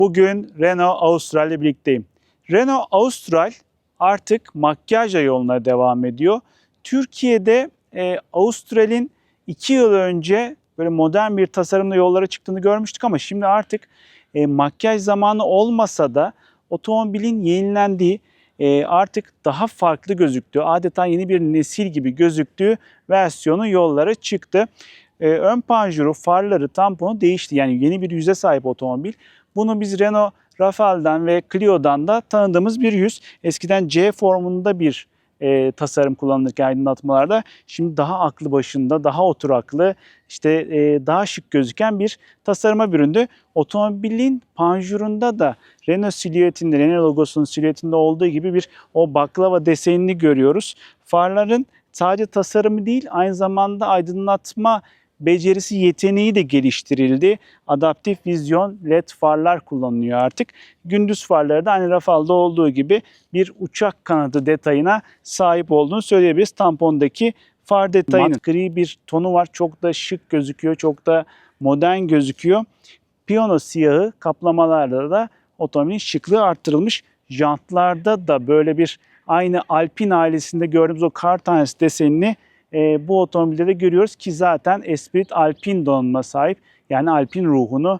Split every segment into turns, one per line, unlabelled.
Bugün Renault Austral ile birlikteyim. Renault Austral artık makyajla yoluna devam ediyor. Türkiye'de Austral'in 2 yıl önce böyle modern bir tasarımla yollara çıktığını görmüştük ama şimdi artık makyaj zamanı olmasa da otomobilin yenilendiği, artık daha farklı gözüktüğü, adeta yeni bir nesil gibi gözüktüğü versiyonu yollara çıktı. Ön panjuru, farları, tamponu değişti. Yani yeni bir yüze sahip otomobil. Bunu biz Renault Rafale'den ve Clio'dan da tanıdığımız bir yüz. Eskiden C formunda bir tasarım kullanılırken aydınlatmalarda şimdi daha aklı başında, daha oturaklı, işte daha şık gözüken bir tasarıma büründü. Otomobilin panjurunda da Renault silüetinde, Renault logosunun silüetinde olduğu gibi bir o baklava desenini görüyoruz. Farların sadece tasarımı değil, aynı zamanda aydınlatma becerisi, yeteneği de geliştirildi. Adaptif vizyon LED farlar kullanılıyor artık. Gündüz farları da aynı Rafale'da olduğu gibi bir uçak kanadı detayına sahip olduğunu söyleyebiliriz. Tampondaki far detayının gri bir tonu var. Çok da şık gözüküyor. Çok da modern gözüküyor. Piyano siyahı kaplamalarda da otomobilin şıklığı arttırılmış. Jantlarda da böyle bir aynı Alpine ailesinde gördüğümüz o kar tanesi desenini bu otomobilde de görüyoruz ki zaten Esprit Alpine donanıma sahip. Yani Alpine ruhunu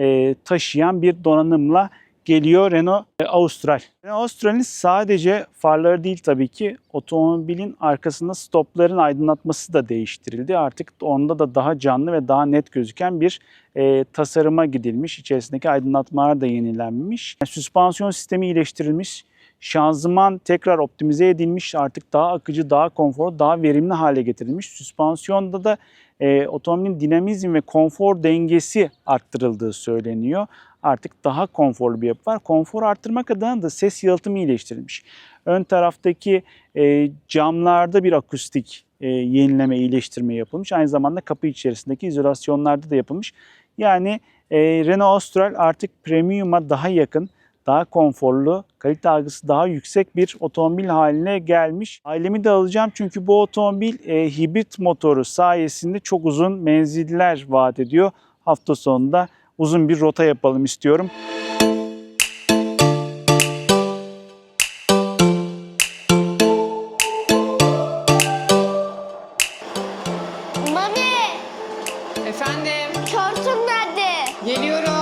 taşıyan bir donanımla geliyor Renault Austral. Renault Austral'in sadece farları değil tabii ki, otomobilin arkasında stopların aydınlatması da değiştirildi. Artık onda da daha canlı ve daha net gözüken bir tasarıma gidilmiş. İçerisindeki aydınlatmalar da yenilenmiş. Yani süspansiyon sistemi iyileştirilmiş. Şanzıman tekrar optimize edilmiş, artık daha akıcı, daha konforlu, daha verimli hale getirilmiş. Süspansiyonda da otomobilin dinamizm ve konfor dengesi arttırıldığı söyleniyor. Artık daha konforlu bir yapı var. Konfor arttırmak adına da ses yalıtımı iyileştirilmiş. Ön taraftaki camlarda bir akustik yenileme, iyileştirme yapılmış. Aynı zamanda kapı içerisindeki izolasyonlarda da yapılmış. Yani Renault Austral artık premium'a daha yakın, daha konforlu, kalite algısı daha yüksek bir otomobil haline gelmiş. Ailemi de alacağım çünkü bu otomobil hibrit motoru sayesinde çok uzun menziller vaat ediyor. Hafta sonunda uzun bir rota yapalım istiyorum.
Mami,
Efendim,
şortum nerede?
geliyorum.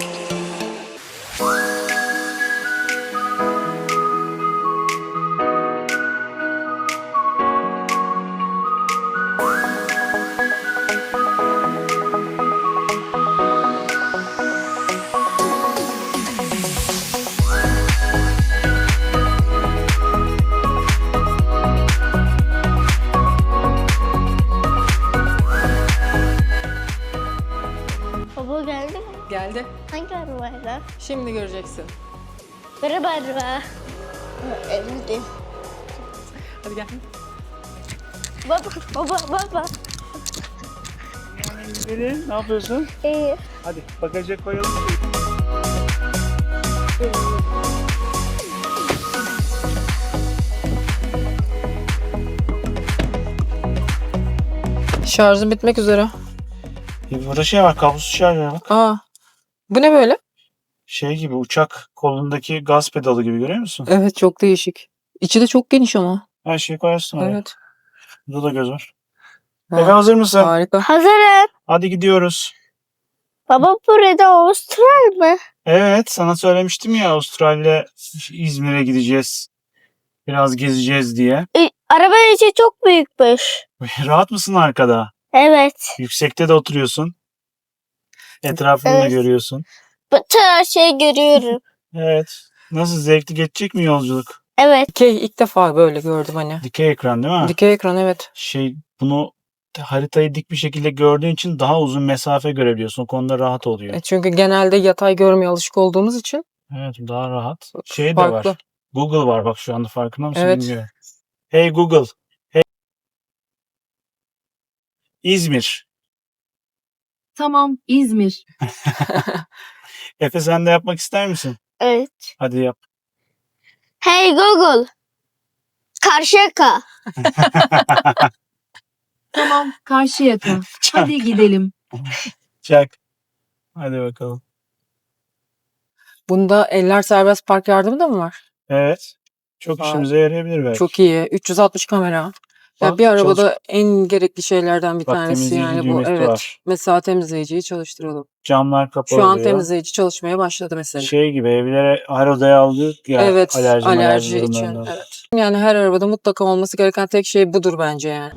Baba geldi mi?
Geldi.
Hangi arabayla?
Şimdi göreceksin.
Merhaba araba. Evde.
Hadi gel.
Baba.
Ne yapıyorsun?
İyi.
Hadi bagaja koyalım.
Şarjım bitmek üzere.
Burada şey var, kablosuz şarj var bak.
Aa, bu ne böyle?
Şey gibi, uçak kolundaki gaz pedalı gibi, görüyor musun?
Evet, çok değişik. İçi de çok geniş ama.
Her şeyi koyarsın oraya.
Evet.
Burada da göz var.
Ha,
Efe, hazır mısın?
harika.
Hazırım.
Hadi gidiyoruz.
Baba burada Austral mı?
Evet, sana söylemiştim ya, Avustralya İzmir'e gideceğiz. Biraz gezeceğiz diye.
Araba içi çok büyükmüş.
Rahat mısın arkada?
Evet.
Yüksekte de oturuyorsun. Etrafını da
Evet.
görüyorsun.
Bütün her şeyi görüyorum.
Evet. Nasıl, zevkli geçecek mi yolculuk?
Evet.
Dikey ilk defa böyle gördüm hani.
Dikey ekran değil mi?
Dikey ekran, evet.
Bunu haritayı dik bir şekilde gördüğün için daha uzun mesafe görebiliyorsun. O konuda rahat oluyor.
Çünkü genelde yatay görmeye alışık olduğumuz için
Evet, daha rahat. Şey de
farklı.
var. Google var bak, şu anda farkında mısın
Evet.
bilmiyorum. Hey Google. Hey İzmir.
Tamam, İzmir.
Efe, sen de yapmak ister misin?
Evet.
Hadi yap.
Hey Google. Karşıyaka.
Tamam, Karşıyaka. Hadi gidelim.
Çak. Hadi bakalım.
Bunda eller serbest park yardımı da mı var?
Evet. Çok
Vay.
işimize yarayabilir belki.
Çok iyi. 360 kamera. Ya
Bak,
bir arabada en gerekli şeylerden bir
Bak,
tanesi
temizleyici
yani bu.
düğmesi
Evet.
var.
Mesela temizleyiciyi çalıştıralım.
Camlar kapalı
Şu an
oluyor.
temizleyici çalışmaya başladı mesela.
Şey gibi evlere her odaya aldık ya
Evet,
alerji
alerji için.
durumlarında.
Evet. Yani her arabada mutlaka olması gereken tek şey budur bence yani.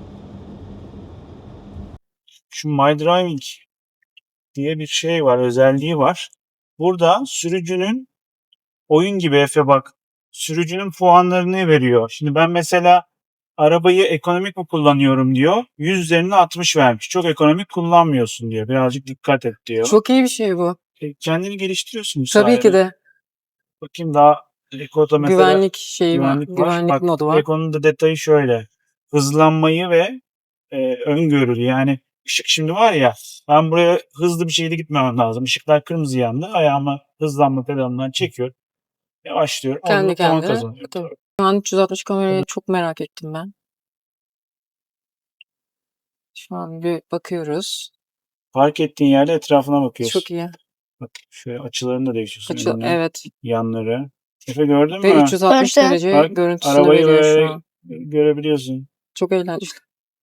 Şu My Driving diye bir şey var, özelliği var. Burada sürücünün oyun gibi Efe bak. Sürücünün puanlarını veriyor. Şimdi ben mesela arabayı ekonomik mi kullanıyorum diyor. 100 üzerine 60 vermiş. Çok ekonomik kullanmıyorsun diyor. Birazcık dikkat et diyor.
Çok iyi bir şey bu.
Kendini geliştiriyorsun bu
Tabii ki
sayede.
de.
Bakayım daha Eko'da mesela
Güvenlik şeyi var.
güvenlik var.
Güvenlik
Bak
modu var.
Eko'nun da detayı şöyle. Hızlanmayı ve öngörülü. Yani ışık şimdi var ya ben buraya hızlı bir şekilde gitmemem lazım. Işıklar kırmızı yandı. Ayağımı hızlanma pedalından çekiyorum. Yavaşlıyorum. Orada
Kendi
da puan
kendine.
kazanıyorum.
Tabii. Şu an 360 kamerayı çok merak ettim ben. Şu an bir bakıyoruz.
Park ettiğin yerde etrafına bakıyorsun.
Çok iyi.
Bak şöyle açılarını da değiştiriyorsun. önünü,
Evet.
Yanları. Efe gördün
Ve
mü?
360
Gördüm.
derece
Bak,
görüntüsünü
arabayı
veriyor şu
böyle
an.
görebiliyorsun.
Çok eğlenceli.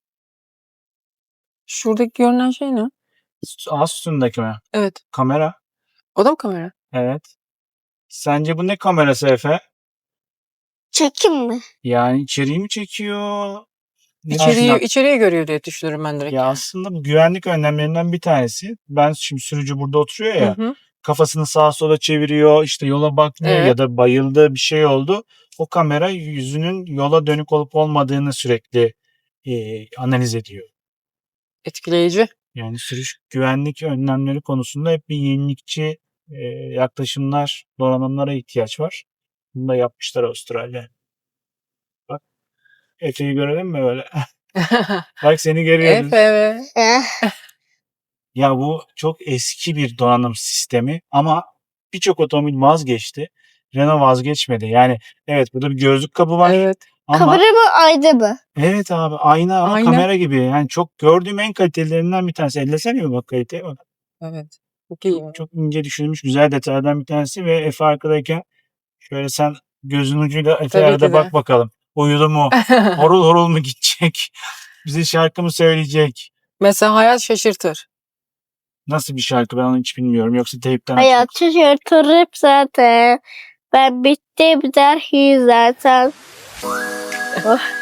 Şuradaki görünen şey ne?
Az üstündeki mi?
Evet.
Kamera.
O da mı kamera?
Evet. Sence bu ne kamerası Efe?
Çekim mi?
Yani içeriği mi çekiyor? Ne
İçeriği,
düşünüyorsun?
içeriye görüyor diye düşünürüm ben direkt.
Ya aslında bu güvenlik önlemlerinden bir tanesi. Ben şimdi sürücü burada oturuyor
Hı
ya.
hı.
Kafasını sağa sola çeviriyor, işte yola bakmıyor
Evet.
ya da bayıldı bir şey oldu. O kamera yüzünün yola dönük olup olmadığını sürekli analiz ediyor.
Etkileyici.
Yani sürüş güvenlik önlemleri konusunda hep bir yenilikçi yaklaşımlar, donanımlara ihtiyaç var. Bunu da yapmışlar Avustralya. Bak Efe'yi görelim mi böyle? Bak seni görüyoruz.
Efe ve
Eh,
Ya bu çok eski bir donanım sistemi ama birçok otomobil vazgeçti. Renault vazgeçmedi. Yani evet burada bir gözlük kabı var
evet.
ama
kamera mı ayna mı?
evet abi ayna ama
Ayna.
kamera gibi. Yani çok gördüğüm en kalitelerinden bir tanesi. Ellesene bir bak kaliteye bak.
Evet. Çok iyi.
Çok ince düşünülmüş güzel detaylardan bir tanesi ve Efe arkadayken şöyle sen gözün ucuyla
Tabii
Efe'ye
ki
de
de.
bak bakalım. Uyudu mu? Horul horul mu gidecek? Bize şarkı mı söyleyecek?
Mesela hayat şaşırtır.
Nasıl bir şarkı ben onu hiç bilmiyorum. Yoksa teypten
Hayat şaşırtırıp zaten. Ben bittim der ki zaten. Oh.